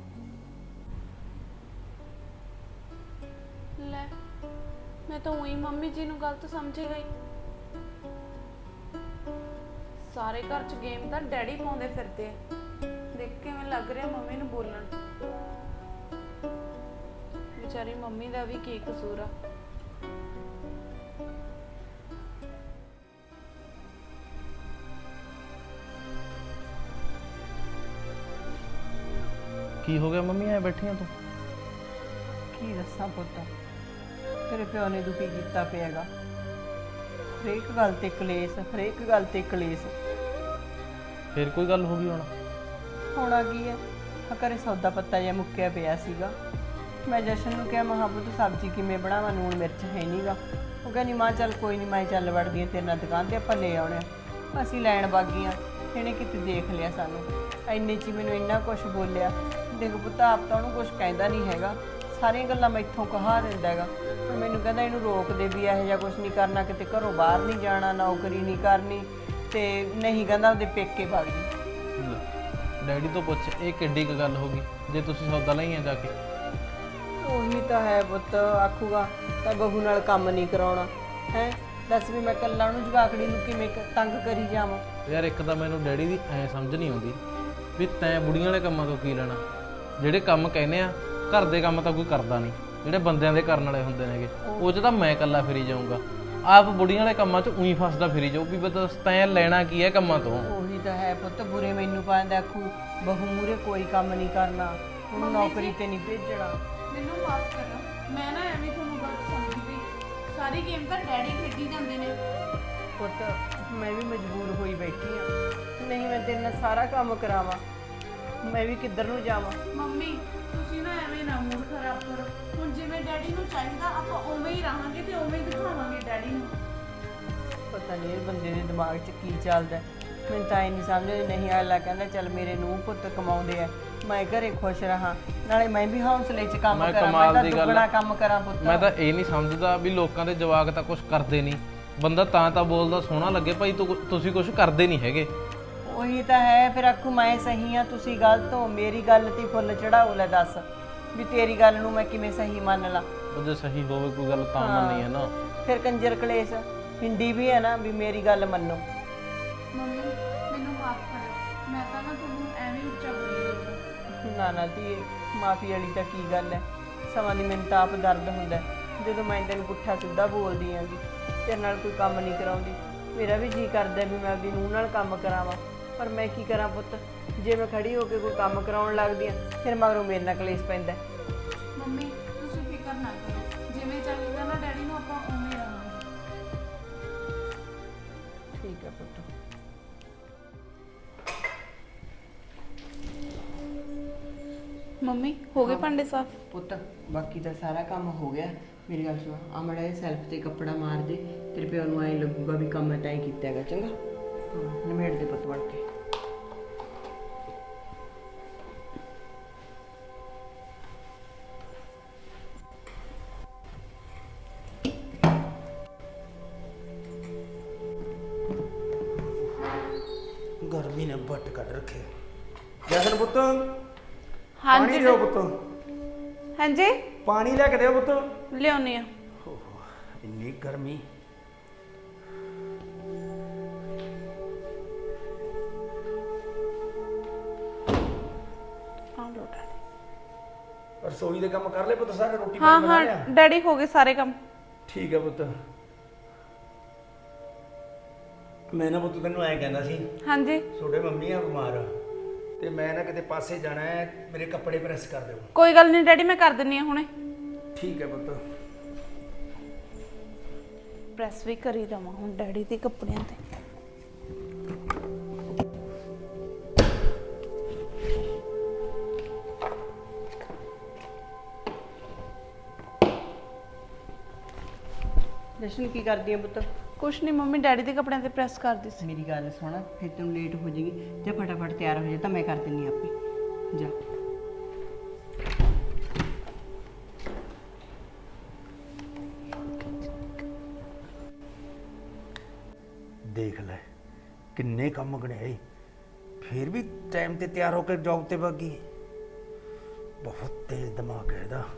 Speaker 2: ਲੈ ਮੈਂ ਤਾਂ ਉਹੀ ਮੰਮੀ ਜੀ ਨੂੰ ਗਲਤ ਸਮਝੀ ਗਈ। ਸਾਰੇ ਘਰ 'ਚ ਗੇਮ ਤਾਂ ਡੈਡੀ ਪਾਉਂਦੇ ਫਿਰਦੇ ਆ। ਦੇਖ ਕਿਵੇਂ ਲੱਗ ਰਿਹਾ ਮੰਮੀ ਨੂੰ ਬੋਲਣ। ਵਿਚਾਰੀ ਮੰਮੀ ਦਾ ਵੀ ਕੀ ਕਸੂਰ ਆ।
Speaker 1: ਕੀ ਹੋ ਗਿਆ ਮੰਮੀ, ਐ ਬੈਠੀਆਂ ਤੂੰ?
Speaker 4: ਕੀ ਦੱਸਾਂ ਪੁੱਤ, ਤੇਰੇ ਪਿਓ ਨੇ ਦੁਖੀ ਕੀਤਾ ਪਿਆਗਾ। ਹਰੇਕ ਗੱਲ ਤੇ ਕਲੇਸ਼, ਹਰੇਕ ਗੱਲ ਤੇ ਕਲੇਸ਼।
Speaker 1: ਫੇਰ ਕੋਈ ਗੱਲ ਹੋ ਗਈ ਹੁਣ?
Speaker 4: ਹੋਣਾ ਕੀ ਹੈ, ਘਰੇ ਸੌਦਾ ਪੱਤਾ ਜਿਹਾ ਮੁੱਕਿਆ ਪਿਆ ਸੀਗਾ। ਮੈਂ ਜਸ਼ਨ ਨੂੰ ਕਿਹਾ, ਮਹਾਂ ਪੁੱਤ ਸਬਜ਼ੀ ਕਿਵੇਂ ਬਣਾਵਾਂ, ਲੂਣ ਮਿਰਚ ਹੈ ਨਹੀਂਗਾ। ਉਹ ਕਹਿੰਦੀ ਮਾਂ ਚੱਲ ਕੋਈ ਨਹੀਂ, ਮੈਂ ਚੱਲ ਵੜਦੀ ਹਾਂ ਤੇਰੇ ਨਾਲ ਦੁਕਾਨ ਤੇ, ਆਪਾਂ ਲੈ ਆਉਣੇ ਆ। ਅਸੀਂ ਲੈਣ ਬਾਗੀਆਂ, ਇਹਨੇ ਕਿਤੇ ਦੇਖ ਲਿਆ ਸਾਨੂੰ, ਇੰਨੇ 'ਚ ਹੀ ਮੈਨੂੰ ਇੰਨਾ ਕੁਛ ਬੋਲਿਆ। ਦੇਖ ਪੁੱਤ ਆਪ ਤਾਂ ਉਹਨੂੰ ਕੁਛ ਕਹਿੰਦਾ ਨਹੀਂ ਹੈਗਾ, ਸਾਰੀਆਂ ਗੱਲਾਂ ਮੈਥੋਂ ਕਹਾ ਦਿੰਦਾ ਹੈਗਾ। ਹੁਣ ਮੈਨੂੰ ਕਹਿੰਦਾ ਇਹਨੂੰ ਰੋਕ ਦੇ ਵੀ ਇਹੋ ਜਿਹਾ ਕੁਛ ਨਹੀਂ ਕਰਨਾ, ਕਿਤੇ ਘਰੋਂ ਬਾਹਰ ਨਹੀਂ ਜਾਣਾ, ਨੌਕਰੀ ਨਹੀਂ ਕਰਨੀ, ਤੇ ਨਹੀਂ ਕਹਿੰਦਾ ਉਹਦੇ ਪੇਕੇ ਵਗ ਜੀ।
Speaker 1: ਡੈਡੀ ਤੋਂ ਪੁੱਛ, ਇਹ ਕਿੱਡੀ ਕੁ ਗੱਲ ਹੋ ਗਈ ਜੇ ਤੁਸੀਂ ਸੌਦਾ ਲਈਆਂ ਜਾ ਕੇ?
Speaker 4: ਉਹੀ ਤਾਂ ਹੈ ਪੁੱਤ, ਆਖੂਗਾ ਤਾਂ ਬਹੂ ਨਾਲ ਕੰਮ ਨਹੀਂ ਕਰਾਉਣਾ ਹੈ। ਦੱਸ ਵੀ ਮੈਂ ਕੱਲਾ ਉਹਨੂੰ ਜਵਾਕੜੀ ਨੂੰ ਕਿਵੇਂ ਤੰਗ ਕਰੀ ਜਾਵਾਂ।
Speaker 1: ਯਾਰ ਇੱਕ ਤਾਂ ਮੈਨੂੰ ਡੈਡੀ ਦੀ ਐ ਸਮਝ ਨਹੀਂ ਆਉਂਦੀ ਵੀ ਤੈਂ ਬੁੜੀਆਂ ਵਾਲੇ ਕੰਮਾਂ ਤੋਂ ਕੀ ਲੈਣਾ। ਜਿਹੜੇ ਕੰਮ ਕਹਿੰਦੇ ਆ ਘਰ ਦੇ ਕੰਮ ਤਾਂ ਕੋਈ ਕਰਦਾ ਨਹੀਂ, ਜਿਹੜੇ ਬੰਦਿਆਂ ਦੇ ਕਰਨ ਵਾਲੇ ਹੁੰਦੇ ਨੇਗੇ ਉਹ 'ਚ ਤਾਂ ਮੈਂ ਇਕੱਲਾ ਫਿਰੀ ਜਾਊਂਗਾ। ਆਪ ਬੁੜੀਆਂ ਵਾਲੇ ਕੰਮਾਂ 'ਚ ਉਹੀ ਫਸਦਾ ਫਿਰੀ ਜਾਊ ਵੀ ਬਸ ਤੈਂ ਲੈਣਾ ਕੀ ਹੈ ਕੰਮਾਂ ਤੋਂ।
Speaker 4: ਉਹੀ ਤਾਂ ਹੈ ਪੁੱਤ, ਬੁਰੇ ਮੈਨੂੰ ਪਾਉਂਦਾ, ਆਖੂ ਬਹੂ ਮੂਰੇ ਕੋਈ ਕੰਮ ਨਹੀਂ ਕਰਨਾ, ਉਹਨੂੰ ਨੌਕਰੀ ਤੇ ਨਹੀਂ ਭੇਜਣਾ।
Speaker 2: ਮੈਨੂੰ ਮਾਫ ਕਰੋ, ਮੈਂ ਨਾ ਐਵੇਂ ਤੁਹਾਨੂੰ ਗਲਤ ਸਮਝੀ ਗਈ। ਸਾਰੀ ਗੇਮ ਤਾਂ ਡੈਡੀ ਖੇਡੀ ਜਾਂਦੇ ਨੇ।
Speaker 4: ਪੁੱਤ ਮੈਂ ਵੀ ਮਜਬੂਰ ਹੋਈ ਬੈਠੀ ਆ, ਨਹੀਂ ਮੈਂ ਤੇਰੇ ਨਾਲ ਸਾਰਾ ਕੰਮ ਕਰਾਵਾਂ, ਮੈਂ ਵੀ ਕਿੱਧਰ ਨੂੰ ਜਾਵਾਂ।
Speaker 2: ਮੰਮੀ ਤੁਸੀਂ ਨਾ ਐਵੇਂ ਨਾ ਮੂਡ ਖਰਾਬ ਕਰੋ। ਹੁਣ ਜਿਵੇਂ ਡੈਡੀ ਨੂੰ ਚਾਹੀਦਾ ਆਪਾਂ ਉਵੇਂ ਹੀ ਰਹਾਂਗੇ ਤੇ ਉਵੇਂ ਹੀ ਦਿਖਾਵਾਂਗੇ ਡੈਡੀ ਨੂੰ।
Speaker 4: ਪਤਾ ਨਹੀਂ ਇਹ ਬੰਦੇ ਦੇ ਦਿਮਾਗ 'ਚ ਕੀ ਚੱਲਦਾ, ਮੈਨੂੰ ਤਾਂ ਇਹ ਨਹੀਂ ਸਮਝ ਆਉਂਦੀ। ਨਹੀਂ ਅਗਲਾ ਕਹਿੰਦਾ ਚੱਲ ਮੇਰੇ ਨੂੰਹ ਪੁੱਤ ਕਮਾਉਂਦੇ ਆ, ਮੈਂ ਘਰੇ ਖੁਸ਼ ਰਹਾਂ, ਨਾਲੇ ਮੈਂ ਵੀ ਹੌਸਲੇ 'ਚ ਕੰਮ
Speaker 1: ਮੈਂ
Speaker 4: ਕਰਾਂ,
Speaker 1: ਕਮਾਲ
Speaker 4: ਮੈਂ ਤਾਂ
Speaker 1: ਦੀ ਗੱਲ
Speaker 4: ਦੁੱਗਣਾ ਕੰਮ ਕਰਾਂ ਪੁੱਤ।
Speaker 1: ਮੈਂ ਤਾਂ ਇਹ ਨਹੀਂ ਸਮਝਦਾ ਵੀ ਲੋਕਾਂ ਦੇ ਜਵਾਕ ਤਾਂ ਕੁਝ ਕਰਦੇ ਨਹੀਂ, ਬੰਦਾ ਤਾਂ ਬੋਲਦਾ ਸੋਹਣਾ ਲੱਗੇ ਭਾਈ ਤੁਸੀਂ ਕੁਝ ਕਰਦੇ ਨਹੀਂ ਹੈਗੇ।
Speaker 4: ਉਹੀ ਤਾਂ ਹੈ, ਫਿਰ ਆਖੂ ਮੈਂ ਸਹੀ ਆ ਤੁਸੀਂ ਗਲਤ ਹੋ, ਮੇਰੀ ਗੱਲ ਤੇ ਫੁੱਲ ਚੜਾਓ। ਲੈ ਦੱਸ ਵੀ ਤੇਰੀ ਗੱਲ ਨੂੰ ਮੈਂ ਕਿਵੇਂ ਸਹੀ ਮੰਨ ਲਾਂ।
Speaker 1: ਉਹ ਜੇ ਸਹੀ ਹੋਵੇ ਕੋਈ ਗੱਲ ਤਾਂ ਮੰਨੀ ਹੈ ਨਾ।
Speaker 4: ਫਿਰ ਕੰਜਰ ਕਲੇਸ਼ ਹਿੰਦੀ ਵੀ ਹੈ ਨਾ ਵੀ ਮੇਰੀ ਗੱਲ ਮੰਨੋ।
Speaker 2: ਮੰਮੀ ਮੈਨੂੰ ਮਾਫ ਕਰੋ, ਮੈਂ ਤਾਂ ਨਾ ਤੁਹਾਨੂੰ ਐਵੇਂ ਉੱਚਾ ਬੋਲੀ।
Speaker 4: ਨਾ ਨਾ ਧੀਏ, ਮਾਫੀ ਵਾਲੀ ਤਾਂ ਕੀ ਗੱਲ ਹੈ, ਸਮਾਂ ਦੀ ਮੈਨੂੰ ਤਾਂ ਆਪ ਦਰਦ ਹੁੰਦਾ ਜਦੋਂ ਮੈਂ ਤੈਨੂੰ ਪੁੱਠਾ ਸਿੱਧਾ ਬੋਲਦੀ ਆਂਗੀ, ਤੇਰੇ ਨਾਲ ਕੋਈ ਕੰਮ ਨਹੀਂ ਕਰਾਉਂਦੀ। ਮੇਰਾ ਵੀ ਜੀ ਕਰਦਾ ਵੀ ਮੈਂ ਆਪਦੀ ਨੂੰਹ ਨਾਲ ਕੰਮ ਕਰਾਵਾਂ, ਪਰ ਮੈਂ ਕੀ ਕਰਾਂ ਪੁੱਤ, ਜੇ ਮੈਂ ਖੜੀ ਹੋ ਕੇ ਕੋਈ ਕੰਮ ਕਰਾਉਣ ਲੱਗਦੀ ਆ ਫਿਰ ਮਗਰੋਂ ਮੇਰੇ ਨਾਲ ਕਲੇਸ਼ ਪੈਂਦਾ।
Speaker 2: ਮੰਮੀ ਤੁਸੀਂ ਫਿਕਰ ਨਾ ਕਰੋ, ਜਿਵੇਂ ਚਾਹੀਦਾ ਨਾ ਡੈਡੀ ਨੂੰ ਆਪਾਂ ਉਵੇਂ ਹੀ ਰਹਾਂਗੇ।
Speaker 4: ਠੀਕ ਹੈ ਪੁੱਤ।
Speaker 2: ਮੰਮੀ ਹੋ ਗਏ ਭਾਂਡੇ ਸਾਫ਼?
Speaker 4: ਪੁੱਤ ਬਾਕੀ ਤਾਂ ਸਾਰਾ ਕੰਮ ਹੋ ਗਿਆ। ਮੇਰੀ ਗੱਲ ਸੁਣ, ਆ ਮੜਾ ਇਹ ਸੈਲਫ ਤੇ ਕੱਪੜਾ ਮਾਰ ਦੇ, ਤੇਰੇ ਪਿਓ ਨੂੰ ਐਂ ਲੱਗੂਗਾ ਵੀ ਕੰਮ ਮੈਂ ਤਾਂ ਹੀ ਕੀਤਾ ਹੈਗਾ। ਚੰਗਾ ਨਿਮੇੜ ਦੇ ਪੁੱਤ ਬਣ ਕੇ।
Speaker 3: ਵੀ ਨੇ ਬੱਟ ਕੱਢ ਰੱਖੇ। ਜਸਨ ਪੁੱਤ ਪਾਣੀ
Speaker 2: ਹਾਂਜੀ
Speaker 3: ਦਿਓ ਪੁੱਤ,
Speaker 2: ਹਾਂਜੀ
Speaker 3: ਪਾਣੀ ਲੈ ਕੇ ਦਿਓ ਪੁੱਤ।
Speaker 2: ਲਿਆਉਣੀ ਆ।
Speaker 3: ਇੰਨੀ ਗਰਮੀ।
Speaker 2: ਆ ਲੋ ਡੈਡੀ।
Speaker 3: ਰਸੋਈ ਦੇ ਕੰਮ ਕਰ ਲੈ ਪੁੱਤ ਸਾਰੇ, ਰੋਟੀ
Speaker 2: ਹਾਂ
Speaker 3: ਪਾਣੀ ਬਣਾ
Speaker 2: ਹਾਂ
Speaker 3: ਲਿਆ?
Speaker 2: ਡੈਡੀ ਹੋ ਗਏ ਸਾਰੇ ਕੰਮ।
Speaker 3: ਠੀਕ ਹੈ ਪੁੱਤ। ਮੈਂ ਨਾ ਪੁੱਤ ਤੈਨੂੰ ਐਂ ਕਹਿੰਦਾ ਸੀ,
Speaker 2: ਹਾਂਜੀ
Speaker 3: ਤੁਹਾਡੇ ਮੰਮੀ ਆ ਬਿਮਾਰ ਤੇ ਮੈਂ ਨਾ ਕਿਤੇ ਪਾਸੇ ਜਾਣਾ ਹੈ, ਮੇਰੇ ਕੱਪੜੇ ਪ੍ਰੈਸ ਕਰ ਦਿਓ।
Speaker 2: ਕੋਈ ਗੱਲ ਨਹੀਂ ਡੈਡੀ, ਮੈਂ ਕਰ ਦਿੰਨੀ ਆ ਹੁਣੇ।
Speaker 3: ਠੀਕ ਹੈ ਪੁੱਤ।
Speaker 2: ਪ੍ਰੈਸ ਵੀ ਕਰੀ ਦਵਾਂ ਹੁਣ ਡੈਡੀ ਦੇ ਕੱਪੜਿਆਂ ਤੇ।
Speaker 4: ਜਸ਼ਨ ਕੀ ਕਰਦੀ ਆ ਪੁੱਤ?
Speaker 2: ਕੁਛ ਨਹੀਂ ਮੰਮੀ, ਡੈਡੀ ਦੇ ਕੱਪੜਿਆਂ ਤੇ ਪ੍ਰੈਸ ਕਰਦੀ ਸੀ।
Speaker 4: ਮੇਰੀ ਗੱਲ ਸੁਣ, ਫਿਰ ਤੈਨੂੰ ਲੇਟ ਹੋ ਜਾਏਗੀ ਤੇ ਫਟਾਫਟ ਤਿਆਰ ਹੋ ਜਾ, ਤਾਂ ਮੈਂ ਕਰ ਦਿੰਨੀ ਆਪੇ। ਜਾ।
Speaker 3: ਦੇਖ ਲੈ ਕਿੰਨੇ ਕੰਮ ਗਣਿਆਏ, ਫਿਰ ਵੀ ਟਾਈਮ ਤੇ ਤਿਆਰ ਹੋ ਕੇ ਜੌਬ ਤੇ ਭੱਗੀ। ਬਹੁਤ ਤੇਜ਼ ਦਿਮਾਗ ਹੈ ਇਹਦਾ।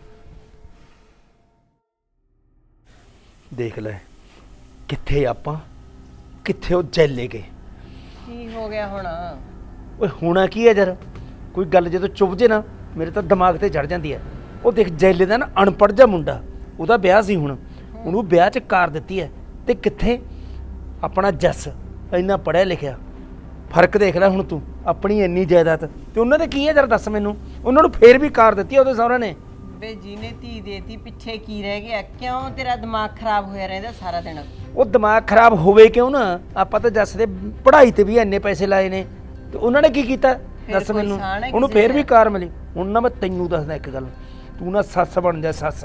Speaker 3: ਦੇਖ ਲੈ ਕਿੱਥੇ ਆਪਾਂ, ਕਿੱਥੇ ਉਹ ਜੈਲੇ ਗਏ।
Speaker 4: ਕੀ ਹੋ ਗਿਆ ਹੁਣ?
Speaker 3: ਓਏ ਹੋਣਾ ਕੀ ਹੈ ਯਾਰ, ਕੋਈ ਗੱਲ ਜਦੋਂ ਚੁੱਭ ਜੇ ਨਾ ਮੇਰੇ ਤਾਂ ਦਿਮਾਗ ਤੇ ਚੜ ਜਾਂਦੀ ਹੈ। ਉਹ ਦੇਖ ਜੈਲੇ ਦਾ ਨਾ ਅਨਪੜ੍ਹ ਜਿਹਾ ਮੁੰਡਾ, ਉਹਦਾ ਵਿਆਹ ਸੀ ਹੁਣ, ਉਹਨੂੰ ਵਿਆਹ 'ਚ ਕਾਰ ਦਿੱਤੀ ਹੈ। ਤੇ ਕਿੱਥੇ ਆਪਣਾ ਜੱਸ ਇੰਨਾ ਪੜ੍ਹਿਆ ਲਿਖਿਆ। ਫਰਕ ਦੇਖ ਲੈ ਹੁਣ ਤੂੰ, ਆਪਣੀ ਇੰਨੀ ਜਾਇਦਾਦ ਤੇ ਉਹਨਾਂ ਦੇ ਕੀ ਹੈ ਯਾਰ ਦੱਸ ਮੈਨੂੰ। ਉਹਨਾਂ ਨੂੰ ਫੇਰ ਵੀ ਕਾਰ ਦਿੱਤੀ ਉਹਦੇ ਸਹੁਰੇ ਨੇ।
Speaker 4: ਵੇ ਜਿਹਨੇ ਧੀ ਦੇਤੀ ਪਿੱਛੇ ਕੀ ਰਹਿ ਗਿਆ? ਕਿਉਂ ਤੇਰਾ ਦਿਮਾਗ ਖਰਾਬ ਹੋਇਆ ਰਹਿੰਦਾ ਸਾਰਾ ਦਿਨ?
Speaker 3: ਉਹ ਦਿਮਾਗ ਖਰਾਬ ਹੋਵੇ ਕਿਉਂ ਨਾ, ਆਪਾਂ ਤਾਂ ਜੱਸ ਦੇ ਪੜ੍ਹਾਈ ਤੇ ਵੀ ਇੰਨੇ ਪੈਸੇ ਲਾਏ ਨੇ ਤੇ ਉਹਨਾਂ ਨੇ ਕੀ ਕੀਤਾ ਦੱਸ
Speaker 4: ਕੋਈ
Speaker 3: ਮੈਨੂੰ।
Speaker 4: ਸਾਨ ਹੈ
Speaker 3: ਉਹਨੂੰ
Speaker 4: ਕਿਸੇ
Speaker 3: ਫੇਰ ਵੀ
Speaker 4: ਦਾ?
Speaker 3: ਕਾਰ ਮਿਲੀ। ਹੁਣ ਨਾ ਮੈਂ ਤੈਨੂੰ ਦੱਸਦਾ ਇੱਕ ਗੱਲ, ਤੂੰ ਨਾ ਸੱਸ ਬਣ ਜਾ ਸੱਸ।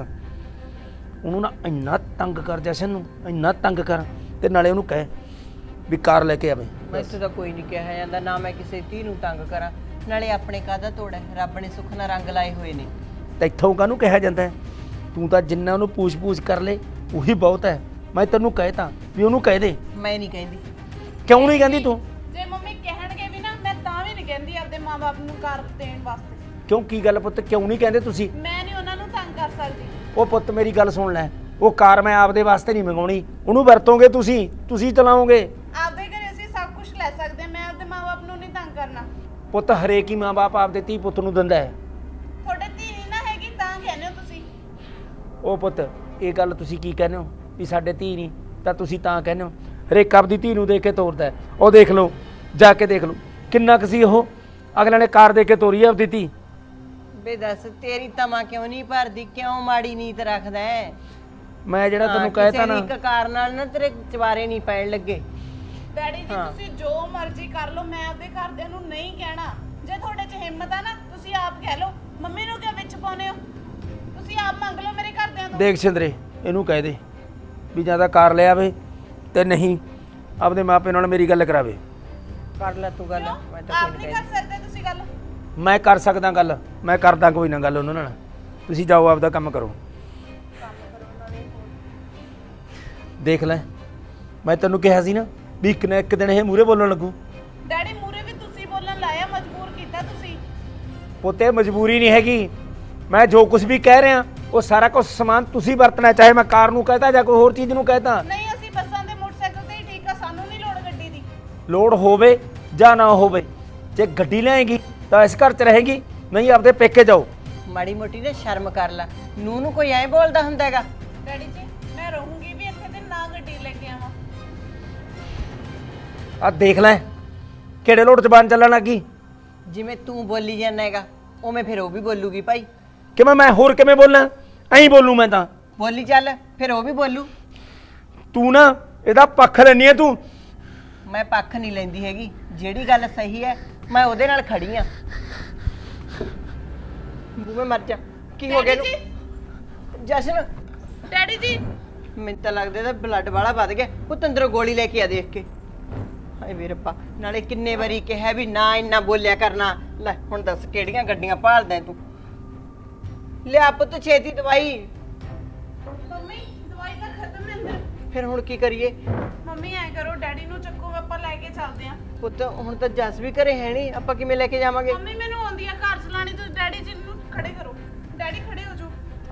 Speaker 3: ਉਹਨੂੰ ਨਾ ਇੰਨਾ ਤੰਗ ਕਰ ਜਸ਼ਨ ਨੂੰ, ਇੰਨਾ ਤੰਗ ਕਰ ਤੇ ਨਾਲੇ ਉਹਨੂੰ ਕਹਿ ਵੀ ਕਾਰ ਲੈ ਕੇ ਆਵੇ।
Speaker 4: ਮੈਨੂੰ ਤਾਂ ਕੋਈ ਨਹੀਂ ਕਿਹਾ ਜਾਂਦਾ, ਨਾ ਮੈਂ ਕਿਸੇ ਧੀ ਨੂੰ ਤੰਗ ਕਰਾਂ। ਨਾਲੇ ਆਪਣੇ ਕਾਹਦਾ ਤੋੜਾ, ਰੱਬ ਨੇ ਸੁੱਖ ਨਾਲ ਰੰਗ ਲਾਏ ਹੋਏ ਨੇ।
Speaker 3: ਤੈਥੋਂ ਕਾਹਨੂੰ ਕਿਹਾ ਜਾਂਦਾ ਹੈ? ਤੂੰ ਤਾਂ ਜਿੰਨਾ ਉਹਨੂੰ ਪੂਛ-ਪੂਛ ਕਰ ਲੈ ਉਹੀ ਬਹੁਤ ਹੈ। ਮੈਂ ਤੈਨੂੰ ਕਹਿਤਾ ਵੀ ਉਹਨੂੰ ਕਹਿ ਦੇ।
Speaker 4: ਮੈਂ ਨਹੀਂ ਕਹਿੰਦੀ।
Speaker 3: ਕਿਉਂ ਨਹੀਂ ਕਹਿੰਦੀ ਤੂੰ?
Speaker 2: ਜੇ ਮੰਮੀ ਕਹਿਣਗੇ ਵੀ ਨਾ, ਮੈਂ ਤਾਂ ਵੀ ਨਹੀਂ ਕਹਿੰਦੀ ਆਪਦੇ ਮਾਂ-ਬਾਪ ਨੂੰ ਕਾਰ ਦੇਣ ਵਾਸਤੇ।
Speaker 3: ਕਿਉਂ ਕੀ ਗੱਲ ਪੁੱਤ, ਕਿਉਂ ਨਹੀਂ ਕਹਿੰਦੇ ਤੁਸੀਂ?
Speaker 2: ਮੈਂ ਨਹੀਂ ਉਹਨਾਂ ਨੂੰ ਤੰਗ ਕਰ ਸਕਦੀ।
Speaker 3: ਉਹ ਪੁੱਤ ਮੇਰੀ ਗੱਲ ਸੁਣ ਲੈ, ਉਹ ਕਾਰ ਮੈਂ ਆਪਦੇ ਵਾਸਤੇ ਨਹੀਂ ਮੰਗਾਉਣੀ। ਉਹਨੂੰ ਵਰਤੋਗੇ ਤੁਸੀਂ ਚਲਾਓਗੇ।
Speaker 2: ਆਪਦੇ ਘਰੇ ਅਸੀਂ ਸਭ ਕੁਝ ਲੈ ਸਕਦੇ ਹਾਂ, ਮੈਂ ਆਪਦੇ ਮਾਂ-ਬਾਪ ਨੂੰ ਨਹੀਂ ਤੰਗ ਕਰਨਾ।
Speaker 3: ਪੁੱਤ ਹਰੇਕ ਹੀ ਮਾਂ-ਬਾਪ ਆਪਦੇ ਧੀ ਪੁੱਤ ਨੂੰ ਦਿੰਦਾ ਹੈ।
Speaker 2: ਤੁਹਾਡੇ ਧੀ ਨਹੀਂ ਨਾ ਹੈਗੀ ਤਾਂ ਕਹਿੰਦੇ ਹੋ ਤੁਸੀਂ।
Speaker 3: ਉਹ ਪੁੱਤ ਇਹ ਗੱਲ ਤੁਸੀਂ ਕੀ ਕਹਿੰਦੇ ਹੋ ਵੀ ਸਾਡੇ ਧੀ ਨਹੀਂ, ਤਾਂ ਤੁਸੀਂ ਤਾਂ ਕਹਿੰਦੇ ਹੋ। ਹਰੇਕ ਆਪਦੀ ਧੀ ਨੂੰ ਦੇਖ ਕੇ ਤੋਰਦਾ ਹੈ। ਉਹ ਦੇਖ ਲਓ, ਜਾ ਕੇ ਦੇਖ ਲਓ ਕਿੰਨਾ ਕੁ ਸੀ ਉਹ, ਅਗਲੇ ਨੇ ਕਾਰ ਦੇ ਕੇ ਤੋਰੀ ਹੈ ਆਪਦੀ ਧੀ।
Speaker 4: ਵੇ ਦੱਸ ਤੇਰੀ ਤਮਾ ਕਿਉਂ ਨਹੀਂ ਭਰਦੀ? ਕਿਉਂ ਮਾੜੀ ਨੀਤ ਰੱਖਦਾ ਹੈ?
Speaker 3: ਮੈਂ ਜਿਹੜਾ ਤੈਨੂੰ ਕਹਿਤਾ ਨਾ,
Speaker 4: ਕਿਸੇ ਦੀ ਇੱਕ ਕਾਰ ਨਾਲ ਨਾ ਤੇਰੇ ਚਵਾਰੇ ਨਹੀਂ ਪੈਣ ਲੱਗੇ।
Speaker 2: ਡੈਡੀ ਜੀ ਤੁਸੀਂ ਜੋ ਮਰਜ਼ੀ ਕਰ ਲਓ, ਮੈਂ ਆਪਦੇ ਘਰਦਿਆਂ ਨੂੰ ਨਹੀਂ ਕਹਿਣਾ। ਜੇ ਤੁਹਾਡੇ 'ਚ ਹਿੰਮਤ ਆ ਨਾ, ਤੁਸੀਂ ਆਪ ਕਹਿ ਲਓ। ਮੰਮੀ ਨੂੰ ਕਿਉਂ ਵਿੱਚ ਪਾਉਂਦੇ ਹੋ? ਤੁਸੀਂ ਆਪ ਮੰਗ ਲਓ ਮੇਰੇ ਘਰਦਿਆਂ ਤੋਂ।
Speaker 3: ਦੇਖ ਸਿੰਦਰੇ ਇਹਨੂੰ ਕਹਿ ਦੇ ਵੀ ਜਾਂ ਤਾਂ ਕਾਰ ਲੈ ਆਵੇ ਤੇ ਨਹੀਂ ਆਪਦੇ ਮਾਪੇ ਨਾਲ ਮੇਰੀ ਗੱਲ ਕਰਾਵੇ।
Speaker 4: ਕਰ ਲੈ ਤੂੰ ਗੱਲ, ਮੈਂ ਤਾਂ
Speaker 2: ਆਪ
Speaker 4: ਕੋਈ
Speaker 2: ਨਹੀਂ
Speaker 4: ਨਹੀਂ
Speaker 2: ਕਰ ਸਕਦੇ ਤੁਸੀਂ ਗੱਲ।
Speaker 3: ਮੈਂ ਕਰ ਸਕਦਾ ਗੱਲ, ਮੈਂ ਕਰਦਾ ਕੋਈ ਨਾ ਗੱਲ ਉਹਨਾਂ ਨਾਲ। ਤੁਸੀਂ ਜਾਓ ਆਪਦਾ ਕੰਮ ਕਰੋ। ਦੇਖ ਲੈ ਮੈਂ ਤੈਨੂੰ ਕਿਹਾ ਸੀ ਨਾ ਵੀ ਇੱਕ ਨਾ ਇੱਕ ਦਿਨ ਇਹ ਮੂਹਰੇ ਬੋਲਣ ਲੱਗੂ।
Speaker 2: ਡੈਡੀ ਮੂਰੇ ਵੀ ਤੁਸੀਂ ਬੋਲਣ ਲਾਇਆ, ਮਜਬੂਰ ਕੀਤਾ ਤੁਸੀਂ।
Speaker 3: ਪੁੱਤੇ ਮਜਬੂਰੀ ਨਹੀਂ ਹੈਗੀ, ਮੈਂ ਜੋ ਕੁਝ ਵੀ ਕਹਿ ਰਿਹਾ ਉਹ ਸਾਰਾ ਕੁਝ ਸਮਾਨ ਤੁਸੀਂ ਵਰਤਣਾ। ਚਾਹੇ ਮੈਂ ਕਾਰ ਨੂੰ ਕਹਤਾ ਜਾਂ ਕੋਈ ਹੋਰ ਚੀਜ਼ ਨੂੰ ਕਹਤਾ।
Speaker 2: ਨਹੀਂ ਅਸੀਂ ਬੱਸਾਂ ਤੇ ਮੋਟਰਸਾਈਕਲ ਤੇ ਹੀ ਠੀਕ ਆ, ਸਾਨੂੰ ਨਹੀਂ ਲੋੜ ਗੱਡੀ ਦੀ।
Speaker 3: ਲੋੜ ਹੋਵੇ ਜਾਂ ਨਾ ਹੋਵੇ, ਜੇ ਗੱਡੀ ਲਿਆਏਗੀ ਤਾਂ ਇਸ ਘਰ 'ਚ ਰਹੇਗੀ, ਨਹੀਂ ਆਪਦੇ ਪੇਕੇ ਜਾਓ।
Speaker 4: ਮਾੜੀ ਮੋਟੀ ਨਾ ਸ਼ਰਮ ਕਰ ਲੈ। ਨੂੰ ਕੋਈ ਐਂ ਬੋਲਦਾ ਹੁੰਦਾ ਹੈਗਾ?
Speaker 2: ਡੈਡੀ ਜੀ ਮੈਂ ਰਹੂੰਗੀ ਵੀ ਇੱਥੇ ਤੇ ਨਾ ਗੱਡੀ ਲੈ ਕੇ ਆਵਾਂ।
Speaker 3: ਆ ਦੇਖ ਲੈ ਕਿਹੜੇ ਲੋਟ ਜ਼ਬਾਨ ਚੱਲਣ ਲੱਗੀ।
Speaker 4: ਜਿਵੇਂ ਤੂੰ ਬੋਲੀ ਜਾਂਦਾ ਹੈਗਾ ਉਵੇਂ ਫਿਰ ਉਹ ਵੀ ਬੋਲੂਗੀ ਭਾਈ।
Speaker 3: ਕਿਵੇਂ ਮੈਂ ਹੋਰ ਕਿਵੇਂ ਬੋਲਾਂ? ਐਂ ਬੋਲੂ ਮੈਂ ਤਾਂ।
Speaker 4: ਬੋਲੀ ਚੱਲ, ਫਿਰ ਉਹ ਵੀ ਬੋਲੂ।
Speaker 3: ਤੂੰ ਨਾ ਇਹਦਾ ਪੱਖ ਲੈਣੀ ਹੈ ਤੂੰ।
Speaker 4: ਮੈਂ ਪੱਖ ਨਹੀਂ ਲੈਂਦੀ ਹੈਗੀ, ਜਿਹੜੀ ਗੱਲ ਸਹੀ ਹੈ ਮੈਂ ਉਹਦੇ ਨਾਲ ਖੜੀ ਆ। ਬੂਵੇਂ ਮਰ ਜਾ। ਕੀ ਹੋ ਗਿਆ ਇਹਨੂੰ? ਜਸ਼ਨ
Speaker 2: ਡੈਡੀ ਜੀ
Speaker 4: ਮੈਨੂੰ ਤਾਂ ਲੱਗਦਾ ਇਹਦਾ ਬਲੱਡ ਵਾਲਾ ਵੱਧ ਗਿਆ। ਪੁੱਤ ਅੰਦਰੋਂ ਗੋਲੀ ਲੈ ਕੇ ਆ ਦੇਖ ਕੇ। ਹਾਏ ਮੇਰੇ ਰੱਬਾ, ਨਾਲੇ ਕਿੰਨੇ ਵਾਰੀ ਕਿਹਾ ਵੀ ਨਾ ਇੰਨਾ ਬੋਲਿਆ ਕਰਨਾ। ਲੈ ਹੁਣ ਦੱਸ ਕਿਹੜੀਆਂ ਗੱਡੀਆਂ ਭਾਲਦਾ ਤੂੰ? ਲਿਆ ਪੁੱਤ ਛੇਤੀ ਦਵਾਈ।
Speaker 2: ਮੰਮੀ ਦਵਾਈ ਤਾਂ ਖਤਮ ਹੈ ਅੰਦਰ।
Speaker 4: ਫਿਰ ਹੁਣ ਕੀ ਕਰੀਏ?
Speaker 2: ਮੰਮੀ ਐ ਕਰੋ, ਡੈਡੀ ਨੂੰ ਚੱਕੋ, ਆਪਾਂ ਲੈ ਕੇ ਚੱਲਦੇ ਆਂ।
Speaker 4: ਪੁੱਤ ਹੁਣ ਤਾਂ ਜੱਸ ਵੀ ਘਰੇ ਹੈ ਨਹੀਂ, ਆਪਾਂ ਕਿਵੇਂ ਲੈ ਕੇ ਜਾਵਾਂਗੇ?
Speaker 2: ਮੰਮੀ ਮੈਨੂੰ ਆਉਂਦੀ ਆ ਘਰ ਚਲਾਣੀ, ਤੁਸੀਂ ਡੈਡੀ ਜੀ ਨੂੰ ਖੜੇ ਕਰੋ। ਡੈਡੀ ਖੜੇ ਹੋ ਜਾਓ।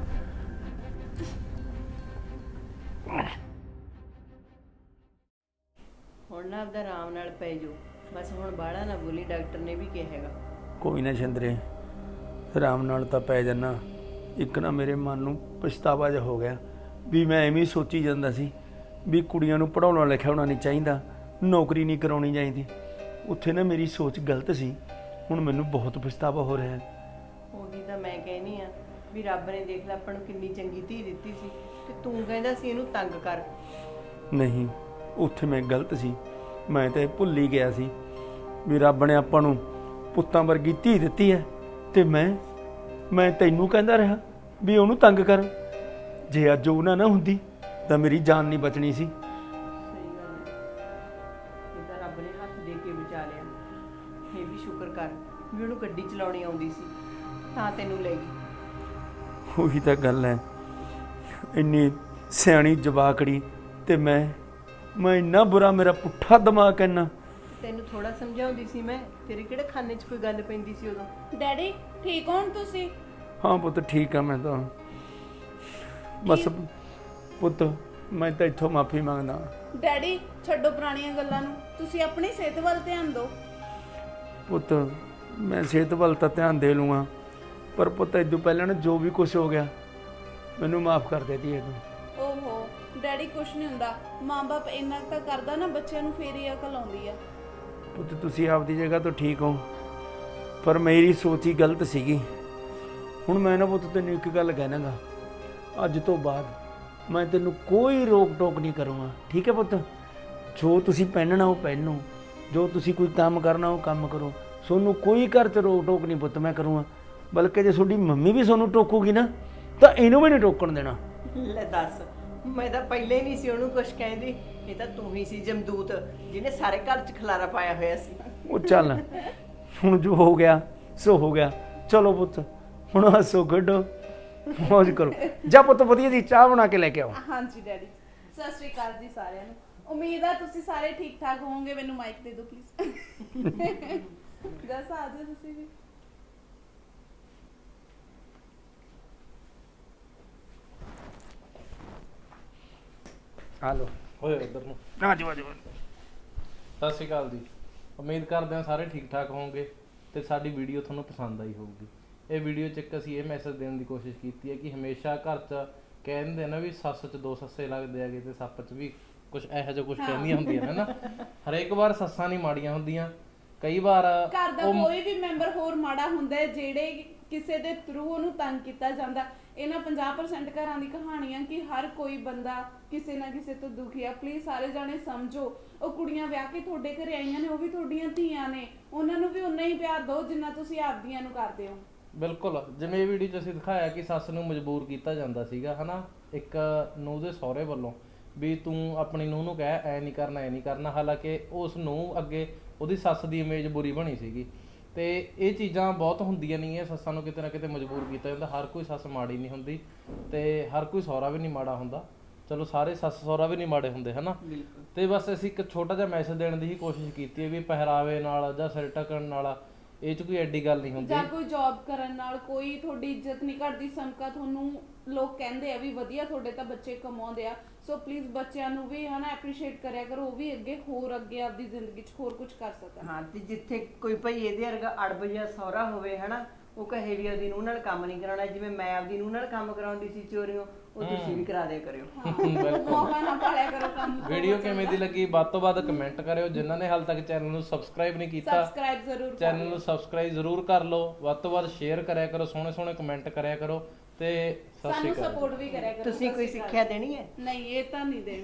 Speaker 4: ਹੁਣ ਨਾ ਆਪਦਾ ਆਰਾਮ ਨਾਲ ਪੈ ਜਾਓ, ਬਸ ਹੁਣ ਬਾਹਲਾ ਨਾ ਬੋਲੀ, ਡਾਕਟਰ ਨੇ ਵੀ ਕਿਹਾ ਹੈਗਾ।
Speaker 3: ਕੋਈ ਨਾ ਸ਼ਿੰਦਰੇ, ਆਰਾਮ ਨਾਲ ਤਾਂ ਪੈ ਜਾਨਾ। ਇੱਕ ਨਾ ਮੇਰੇ ਮਨ ਨੂੰ ਪਛਤਾਵਾ ਜਿਹਾ ਹੋ ਗਿਆ ਵੀ ਮੈਂ ਐਵੇਂ ਹੀ ਸੋਚੀ ਜਾਂਦਾ ਸੀ ਵੀ ਕੁੜੀਆਂ ਨੂੰ ਪੜਾਉਣਾ ਲਿਖਾਉਣਾ ਨਹੀਂ ਚਾਹੀਦਾ, ਨੌਕਰੀ ਨਹੀਂ ਕਰਾਉਣੀ ਚਾਹੀਦੀ। ਉੱਥੇ ਨਾ ਮੇਰੀ ਸੋਚ ਗਲਤ ਸੀ, ਹੁਣ ਮੈਨੂੰ ਬਹੁਤ ਪਛਤਾਵਾ ਹੋ ਰਿਹਾ ਹੈ।
Speaker 4: ਉਹੀ ਤਾਂ ਮੈਂ ਕਹਿਨੀ ਆ ਵੀ ਰੱਬ ਨੇ ਦੇਖ ਲੈ ਆਪਾਂ ਨੂੰ ਕਿੰਨੀ ਚੰਗੀ ਧੀ ਦਿੱਤੀ ਸੀ, ਤੇ ਤੂੰ ਕਹਿੰਦਾ ਸੀ ਇਹਨੂੰ ਤੰਗ ਕਰ।
Speaker 3: ਨਹੀਂ, ਉੱਥੇ ਮੈਂ ਗਲਤ ਸੀ। ਮੈਂ ਤਾਂ ਇਹ ਭੁੱਲ ਹੀ ਗਿਆ ਸੀ ਵੀ ਰੱਬ ਨੇ ਆਪਾਂ ਨੂੰ ਪੁੱਤਾਂ ਵਰਗੀ ਧੀ ਦਿੱਤੀ ਹੈ, ਤੇ ਮੈਂ ਤੈਨੂੰ ਕਹਿੰਦਾ ਰਿਹਾ ਵੀ ਉਹਨੂੰ ਤੰਗ ਕਰ। ਜੇ ਅੱਜ ਉਹ ਨਾ ਹੁੰਦੀ ਤਾਂ ਮੇਰੀ ਜਾਨ ਨਹੀਂ ਬਚਣੀ ਸੀ।
Speaker 4: ਸਹੀ ਗੱਲ ਹੈ, ਇਹ ਤਾਂ ਰੱਬ ਨੇ ਹੱਥ ਦੇ ਕੇ ਬਚਾ ਲਿਆ। ਇਹ ਵੀ ਸ਼ੁਕਰ ਕਰ ਵੀ ਉਹਨੂੰ ਗੱਡੀ ਚਲਾਉਣੀ ਆਉਂਦੀ ਸੀ, ਤਾਂ ਤੈਨੂੰ ਲੈ ਗਈ।
Speaker 3: ਉਹੀ ਤਾਂ ਗੱਲ ਹੈ, ਇੰਨੀ ਸਿਆਣੀ ਜਵਾਕੜੀ ਤੇ ਮੈਂ ਇੰਨਾ ਬੁਰਾ, ਮੇਰਾ ਪੁੱਠਾ ਦਿਮਾਗ ਇੰਨਾ।
Speaker 4: ਤੈਨੂੰ ਥੋੜਾ ਸਮਝਾਉਂਦੀ ਸੀ ਮੈਂ, ਤੇਰੇ ਕਿਹੜੇ ਖਾਨੇ 'ਚ ਕੋਈ ਗੱਲ ਪੈਂਦੀ ਸੀ ਉਦੋਂ?
Speaker 2: ਡੈਡੀ ਠੀਕ ਹੋਣ ਤੁਸੀਂ?
Speaker 3: ਹਾਂ ਪੁੱਤ ਠੀਕ ਆ ਮੈਂ ਤਾਂ। ਬਸ ਪੁੱਤ ਮੈਂ ਤਾਂ ਇੱਥੋਂ ਮਾਫੀ ਮੰਗਦਾ।
Speaker 2: ਡੈਡੀ ਛੱਡੋ ਪੁਰਾਣੀਆਂ ਗੱਲਾਂ ਨੂੰ, ਤੁਸੀਂ ਆਪਣੀ ਸਿਹਤ ਵੱਲ ਧਿਆਨ ਦਿਓ।
Speaker 3: ਪੁੱਤ ਮੈਂ ਸਿਹਤ ਵੱਲ ਤਾਂ ਧਿਆਨ ਦੇ ਲੂੰਗਾ, ਪਰ ਪੁੱਤ ਇਦੋਂ ਪਹਿਲਾਂ ਨਾ ਜੋ ਵੀ ਕੁਝ ਹੋ ਗਿਆ ਮੈਨੂੰ ਮਾਫ ਕਰ ਦੇ ਧੀਏ ਤੂੰ।
Speaker 2: ਓਹੋ ਡੈਡੀ ਕੁਛ ਨਹੀਂ ਹੁੰਦਾ, ਮਾਂ-ਬਾਪ ਇੰਨਾ ਤਾਂ ਕਰਦਾ ਨਾ ਬੱਚਿਆਂ ਨੂੰ, ਫੇਰ ਹੀ ਅਕਲ ਆਉਂਦੀ ਆ।
Speaker 3: ਪੁੱਤ ਤੁਸੀਂ ਆਪਦੀ ਜਗ੍ਹਾ ਤੋਂ ਠੀਕ ਹੋ, ਪਰ ਮੇਰੀ ਸੋਚ ਹੀ ਗਲਤ ਸੀਗੀ। ਹੁਣ ਮੈਂ ਨਾ ਪੁੱਤ ਤੈਨੂੰ ਇੱਕ ਗੱਲ ਕਹਿਣਾਗਾ, ਅੱਜ ਤੋਂ ਬਾਅਦ ਮੈਂ ਤੈਨੂੰ ਕੋਈ ਰੋਕ ਟੋਕ ਨਹੀਂ ਕਰੂੰਗਾ, ਠੀਕ ਹੈ ਪੁੱਤ? ਜੋ ਤੁਸੀਂ ਪਹਿਨਣਾ ਉਹ ਪਹਿਨੋ, ਜੋ ਤੁਸੀਂ ਕੋਈ ਕੰਮ ਕਰਨਾ ਉਹ ਕੰਮ ਕਰੋ। ਤੁਹਾਨੂੰ ਕੋਈ ਘਰ 'ਚ ਰੋਕ ਟੋਕ ਨਹੀਂ ਪੁੱਤ ਮੈਂ ਕਰੂੰਗਾ, ਬਲਕਿ ਜੇ ਤੁਹਾਡੀ ਮੰਮੀ ਵੀ ਤੁਹਾਨੂੰ ਟੋਕੂਗੀ ਨਾ ਤਾਂ ਇਹਨੂੰ ਵੀ ਨਹੀਂ ਟੋਕਣ ਦੇਣਾ।
Speaker 4: ਲੈ ਦੱਸ, ਮੈਂ ਤਾਂ ਪਹਿਲੇ ਨਹੀਂ ਸੀ ਉਹਨੂੰ ਕੁਝ ਕਹਿੰਦੀ, ਇਹ ਤਾਂ ਤੂੰ ਹੀ ਸੀ ਜਮਦੂਤ ਜਿਹਨੇ ਸਾਰੇ ਘਰ 'ਚ ਖਲਾਰਾ ਪਾਇਆ ਹੋਇਆ ਸੀ।
Speaker 3: ਉਹ ਚੱਲ ਹੁਣ ਜੋ ਹੋ ਗਿਆ ਸੋ ਹੋ ਗਿਆ, ਚਲੋ ਪੁੱਤ ਹੁਣ ਹੱਸੋ ਖੇਡੋ ਮौज ਕਰੋ। ਜਾ ਪੁੱਤ ਵਧੀਆ ਜੀ ਚਾਹ ਬਣਾ ਕੇ ਲੈ ਕੇ ਆਓ।
Speaker 2: ਹਾਂਜੀ ਡੈਡੀ, ਸਤਿ ਸ਼੍ਰੀ ਅਕਾਲ ਜੀ ਸਾਰਿਆਂ ਨੂੰ। ਉਮੀਦ ਆ ਤੁਸੀਂ ਸਾਰੇ ਠੀਕ ਠਾਕ ਹੋਵੋਗੇ। ਮੈਨੂੰ ਮਾਈਕ ਦੇ ਦਿਓ ਪਲੀਜ਼। ਜਸ ਆ ਜਾਓ ਤੁਸੀਂ ਵੀ।
Speaker 3: ਆ ਲੋ
Speaker 1: ਹੋਏ ਉਧਰ ਨੂੰ।
Speaker 3: ਆ ਜਾਓ ਆ ਜਾਓ।
Speaker 1: ਸਤਿ ਸ਼੍ਰੀ ਅਕਾਲ ਜੀ। ਉਮੀਦ ਕਰਦੇ ਹਾਂ ਸਾਰੇ ਠੀਕ ਠਾਕ ਹੋਵੋਗੇ ਤੇ ਸਾਡੀ ਵੀਡੀਓ ਤੁਹਾਨੂੰ ਪਸੰਦ ਆਈ ਹੋਊਗੀ। ਇਹ ਵੀਡੀਓ 'ਚ ਇੱਕ ਅਸੀਂ ਇਹ ਮੈਸੇਜ ਦੇਣ ਦੀ ਕੋਸ਼ਿਸ਼ ਕੀਤੀ ਹੈ ਕਿ ਹਮੇਸ਼ਾ ਘਰ 'ਚ ਕਹਿੰਦੇ ਨਾ ਵੀ ਸੱਸ 'ਚ ਦੋ ਸੱਸੇ ਲੱਗਦੇ ਹੈਗੇ ਤੇ ਸੱਪ 'ਚ ਵੀ ਕੁਝ ਇਹੋ ਜਿਹਾ ਕੁਝ ਕਹਿੰਦੀਆਂ ਹੁੰਦੀਆਂ ਨੇ ਨਾ। ਹਰੇਕ ਵਾਰ ਸੱਸਾਂ ਨਹੀਂ ਮਾੜੀਆਂ ਹੁੰਦੀਆਂ, ਕਈ ਵਾਰ
Speaker 2: ਘਰ ਦਾ ਕੋਈ ਵੀ ਮੈਂਬਰ ਹੋਰ ਮਾੜਾ ਹੁੰਦਾ ਹੈ ਜਿਹੜੇ ਕਿਸੇ ਦੇ ਥਰੂ ਉਹਨੂੰ ਤੰਗ ਕੀਤਾ ਜਾਂਦਾ। ਇਹਨਾਂ 50% ਘਰਾਂ ਦੀ ਕਹਾਣੀ ਆ ਕਿ ਹਰ ਕੋਈ ਬੰਦਾ ਕਿਸੇ ਨਾ ਕਿਸੇ ਤੋਂ ਦੁਖੀ ਆ। ਪਲੀਜ਼ ਸਾਰੇ ਜਾਣੇ ਸਮਝੋ, ਉਹ ਕੁੜੀਆਂ ਵਿਆਹ ਕੇ ਤੁਹਾਡੇ ਘਰੇ ਆਈਆਂ ਨੇ, ਉਹ ਵੀ ਤੁਹਾਡੀਆਂ ਧੀਆਂ ਨੇ, ਉਹਨਾਂ ਨੂੰ ਵੀ ਉਨਾ ਹੀ ਪਿਆਰ ਦਿਓ ਜਿੰਨਾ ਤੁਸੀਂ ਆਪਦੀਆਂ ਨੂੰ ਕਰਦੇ ਹੋ।
Speaker 1: ਬਿਲਕੁਲ, ਜਿਵੇਂ ਇਹ ਵੀਡੀਓ 'ਚ ਅਸੀਂ ਦਿਖਾਇਆ ਕਿ ਸੱਸ ਨੂੰ ਮਜਬੂਰ ਕੀਤਾ ਜਾਂਦਾ ਸੀਗਾ ਹਨਾ, ਇੱਕ ਨੂੰਹ ਦੇ ਸਹੁਰੇ ਵੱਲੋਂ ਵੀ ਤੂੰ ਆਪਣੀ ਨੂੰਹ ਨੂੰ ਕਹਿ ਐ ਨਹੀਂ ਕਰਨਾ ਐ ਨਹੀਂ ਕਰਨਾ। ਹਾਲਾਂਕਿ ਉਸ ਨੂੰ ਅੱਗੇ ਉਹਦੀ ਸੱਸ ਦੀ ਇਮੇਜ ਬੁਰੀ ਬਣੀ ਸੀਗੀ। ਤੇ ਇਹ ਚੀਜ਼ਾਂ ਬਹੁਤ ਹੁੰਦੀਆਂ ਨਹੀਂ ਹੈ, ਸੱਸਾਂ ਨੂੰ ਕਿਤੇ ਨਾ ਕਿਤੇ ਮਜਬੂਰ ਕੀਤਾ ਜਾਂਦਾ। ਹਰ ਕੋਈ ਸੱਸ ਮਾੜੀ ਨਹੀਂ ਹੁੰਦੀ ਤੇ ਹਰ ਕੋਈ ਸਹੁਰਾ ਵੀ ਨਹੀਂ ਮਾੜਾ ਹੁੰਦਾ। ਚਲੋ ਸਾਰੇ ਸੱਸ ਸਹੁਰਾ ਵੀ ਨਹੀਂ ਮਾੜੇ ਹੁੰਦੇ ਹਨਾ। ਤੇ ਬਸ ਅਸੀਂ ਇੱਕ ਛੋਟਾ ਜਿਹਾ ਮੈਸੇਜ ਦੇਣ ਦੀ ਹੀ ਕੋਸ਼ਿਸ਼ ਕੀਤੀ ਹੈ ਵੀ ਪਹਿਰਾਵੇ ਨਾਲ ਜਾਂ ਸਿਰ ਢੱਕਣ ਨਾਲ ਇਹ 'ਚ ਕੋਈ ਐਡੀ ਗੱਲ ਨਹੀਂ ਹੁੰਦੀ,
Speaker 2: ਜਾਂ ਕੋਈ ਜੌਬ ਕਰਨ ਨਾਲ ਕੋਈ ਤੁਹਾਡੀ ਇੱਜ਼ਤ ਨਹੀਂ ਘਟਦੀ। ਸਮਕਾ ਤੁਹਾਨੂੰ ਲੋਕ ਕਹਿੰਦੇ ਆ ਵੀ ਵਧੀਆ ਤੁਹਾਡੇ ਤਾਂ ਬੱਚੇ ਕਮਾਉਂਦੇ ਆ। ਸੋ ਪਲੀਜ਼ ਬੱਚਿਆਂ ਨੂੰ ਵੀ ਹਨਾ ਐਪਰੀਸ਼ੀਏਟ ਕਰਿਆ ਕਰੋ, ਉਹ ਵੀ ਅੱਗੇ ਆਪਦੀ ਜ਼ਿੰਦਗੀ 'ਚ ਹੋਰ ਕੁਝ ਕਰ ਸਕਣ।
Speaker 4: ਹਾਂ, ਤੇ ਜਿੱਥੇ ਕੋਈ ਭਈ ਇਹਦੇ ਵਰਗਾ ਅੜਬ ਜਿਹਾ ਸਹੁਰਾ ਹੋਵੇ ਹਨਾ, ਉਹ ਕਹੇ ਵੀ ਉਹਦੀ ਨੂੰਹ ਨਾਲ ਕੰਮ ਨਹੀਂ ਕਰਾਉਣਾ, ਜਿਵੇਂ ਮੈਂ ਆਪਦੀ ਨੂੰਹ ਨਾਲ ਕੰਮ ਕਰਾਉਂਦੀ ਸੀ ਚੋਰੀਆਂ, ਉਹ ਤੁਸੀਂ ਵੀ ਕਰਾ ਦਿਆ ਕਰਿਓ।
Speaker 2: ਮੌਕਾ ਨਾ ਪਾਲਿਆ ਕਰੋ ਕੰਮ।
Speaker 1: ਵੀਡੀਓ ਕਿਵੇਂ ਦੀ ਲੱਗੀ ਵੱਧ ਤੋਂ ਵੱਧ ਕਮੈਂਟ ਕਰਿਓ। ਜਿਨ੍ਹਾਂ ਨੇ ਹਾਲ ਤੱਕ ਚੈਨਲ ਨੂੰ ਸਬਸਕ੍ਰਾਈਬ ਨਹੀਂ ਕੀਤਾ,
Speaker 2: ਸਬਸਕ੍ਰਾਈਬ ਜ਼ਰੂਰ
Speaker 1: ਚੈਨਲ ਨੂੰ ਸਬਸਕ੍ਰਾਈਬ ਜ਼ਰੂਰ ਕਰ ਲਓ। ਵੱਧ ਤੋਂ ਵੱਧ ਸ਼ੇਅਰ ਕਰਿਆ ਕਰੋ, ਸੋਹਣੇ ਸੋਹਣੇ ਕਮੈਂਟ ਕਰਿਆ ਕਰੋ ਤੇ ਸਤਿ ਸ਼੍ਰੀ
Speaker 2: ਸਾਨੂੰ
Speaker 1: ਅਕਾਲ।
Speaker 2: ਸਪੋਰਟ ਵੀ ਕਰਿਆ ਕਰੋ।
Speaker 4: ਤੁਸੀਂ ਕੋਈ ਸਿੱਖਿਆ ਦੇਣੀ ਹੈ?
Speaker 2: ਨਹੀਂ, ਇਹ ਤਾਂ ਨਹੀਂ ਦੇਣੀ।